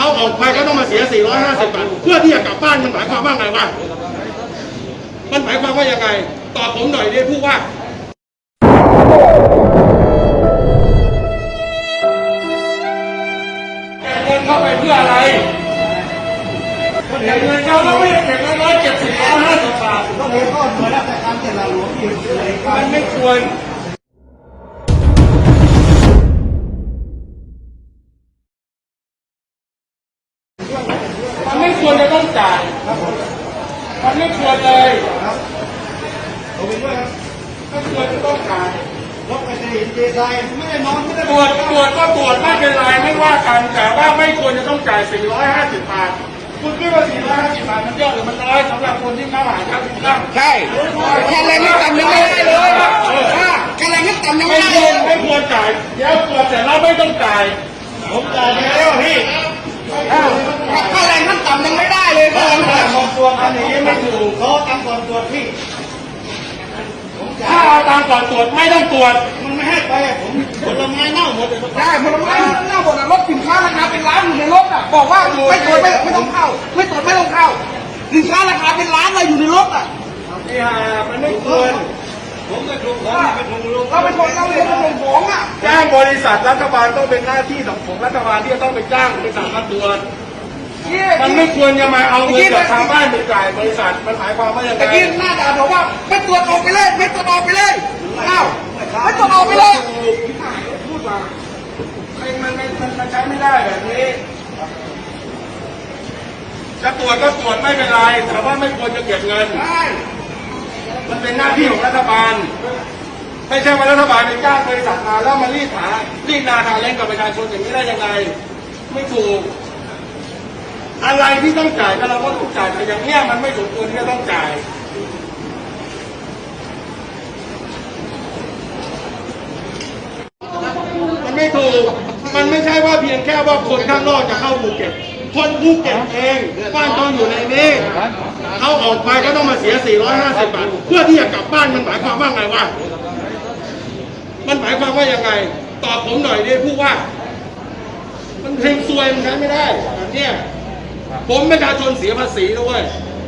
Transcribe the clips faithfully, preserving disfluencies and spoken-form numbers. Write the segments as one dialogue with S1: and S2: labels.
S1: เอาออกไปก็ต้องมาเสียสี่ร้อยห้าสิบบาทเพื่อที่จะกลับบ้านมันหมายความว่าไงวะมันหมายความว่ายังไงตอบผมหน่อยดิผู้ว่าแจกเงินเข้าไปเพื่ออะไรแจกเงินเข้าแล้วไม่ได้แจกร้อยเจ็ดสิบร้อยห้าสิบบาทต้องมีข้อหน่วยราชการแต่ละหลวงอีกมันไม่ควรมันไม่ควรจะต้องจ่ายมันไม่ควรเลยไม่ควรจะต้องจ่ายรถไปเห็นเจไซไม่ได้นอนไม่ได้ตรวจตรวจก็ตรวจไม่เป็นไรไม่ว่ากันแต่ว่าไม่ควรจะต้องจ่ายสี่ร้อยห้าสิบบาทคุณคิดว่าสี่ร้อยห้าสิบบาทมันเยอะหรือมันน้อยสำหรับคนที่เข้าหาครับใช่
S2: แค่แรงไม่ต่ำยังไม่ได้เลยแค่แรงไม่ต่ำยังไม่ได้เลย
S1: ไม่ควรจ่ายเดี๋ยวตรวจเสร็จแล้วไม่ต้องจ่ายผมจ่ายไปแล้วพี่
S2: ค่าแรงขั้นต่ำยังไม่ได้เลย
S1: เขาทำการก่อนตรวจอันนี้ไม่ถูกเขาทำก่อนตรวจพี่ถ้าเอาตามก่อนตรวจไม่ต้องตรวจมันไม่ให้ไปผมผลไม้เน่าหมดเลย
S2: ได้ผลไม้เน่าหมดรถสินค้าราคาเป็นล้านอยู่ในรถอ่ะบอกว่าไม่ตรวจไม่ไม่ต้องเข้าไม่ตรวจไม่ต้องเข้าสินค้าราคาเป็นล้านเลยอยู่ในรถอ่ะ
S1: นี่ฮะมันไม่ควรผมจะถูกผมไปถูกลง
S2: เราไปชนเราเลยเราลงของอ่ะ
S1: จ้างบริษัทรัฐบาลต้องเป็นหน้าที่ของรัฐบาลที่จะต้องไปจ้างบริษัทมาตรวจมันไม่ควรจะมาเอาเงินจากชาวบ้านไปจ่ายบริษัทมันหมายความว่าอย่างไร
S2: ตะกี้หน้าด่าบอกว่าไม่ตรวจออกไปเลยไม่ตรวจออกไปเลยอ้าวไม่ตรวจออกไปเลย
S1: พูดมามันมันมันใช้ไม่ได้แบบนี้จะตรวจก็ตรวจไม่เป็นไรแต่ว่าไม่ควรจะเก็บเงินมันเป็นหน้าที่ของรัฐบาลไม่ใช่ว่ารัฐบาลไปจ้างบริษัทมาแล้วมารีดหารีดนาคาเล่นกับประชาชนอย่างนี้ได้ยังไงไม่ถูกอะไรที่ต้องจ่ายก็เราก็ต้องจ่ายแต่อย่างเนี้ยมันไม่สมควรที่จะต้องจ่ายมันไม่ถูกมันไม่ใช่ว่าเพียงแค่ว่าคนข้างนอกจะเข้าภูเก็ตคนภูเก็ตเองบ้านต้องอยู่ในนี้เอาออกไปก็ต้องมาเสียสี่ร้อยห้าสิบบาทเพื่อที่จะกลับบ้านมันหมายความว่าไงวะมันหมายความว่ายังไงตอบผมหน่อยดิผู้ว่ามันเพลงซวยมันใช้ไม่ได้แบบเนี้ยผมประชาชนเสียภาษีด้วย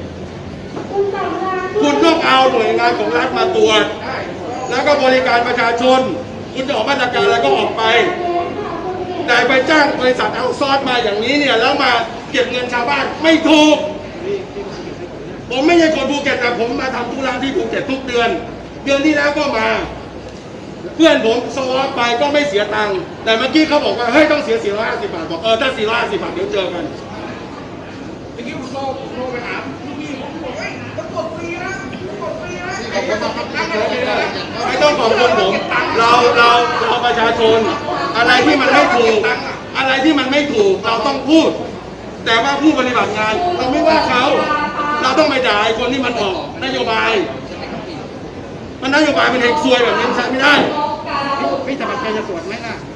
S1: คุณต้องเอาหน่วยงานของรัฐมาตรวจแล้วก็บริการประชาชนคุณจะออกมาตรการอะไรก็ออกไปแต่ไปจ้างบริษัทเอาซอสมาอย่างนี้เนี่ยแล้วมาเก็บเงินชาวบ้านไม่ถูกผมไม่ใช่คนภูเก็ตแต่ผมมาทำธุระที่ภูเก็ตทุกเดือนเดือนที่แล้วก็มาเพื่อนผมสวอปไปก็ไม่เสียตังค์แต่เมื่อกี้เขาบอกว่าเฮ้ยต้องเสียสี่ร้อยห้าสิบบาทบอกเออถ้าสี่ร้อยห้าสิบบาทเดี๋ยวเจอกัน
S2: เมื่อกี้ผมโทรผมโทรไปหาลูกพี่ผมบอกเฮ้ยมันกดฟรีนะมันกดฟรีนะ
S1: ไม่ต้องขอบคุณผมเราเราเราประชาชนอะไรที่มันไม่ถูกอะไรที่มันไม่ถูกเราต้องพูดแต่ว่าผู้ปฏิบัติงานเราไม่ว่าเขาเราต้องไปด่าคนที่มันออกนโยบายมันนโยบายเป็นเอกซวยแบบนี้ใช้ไม่ได้
S2: พี่จะมาใครจะตรวจไหมล่ะ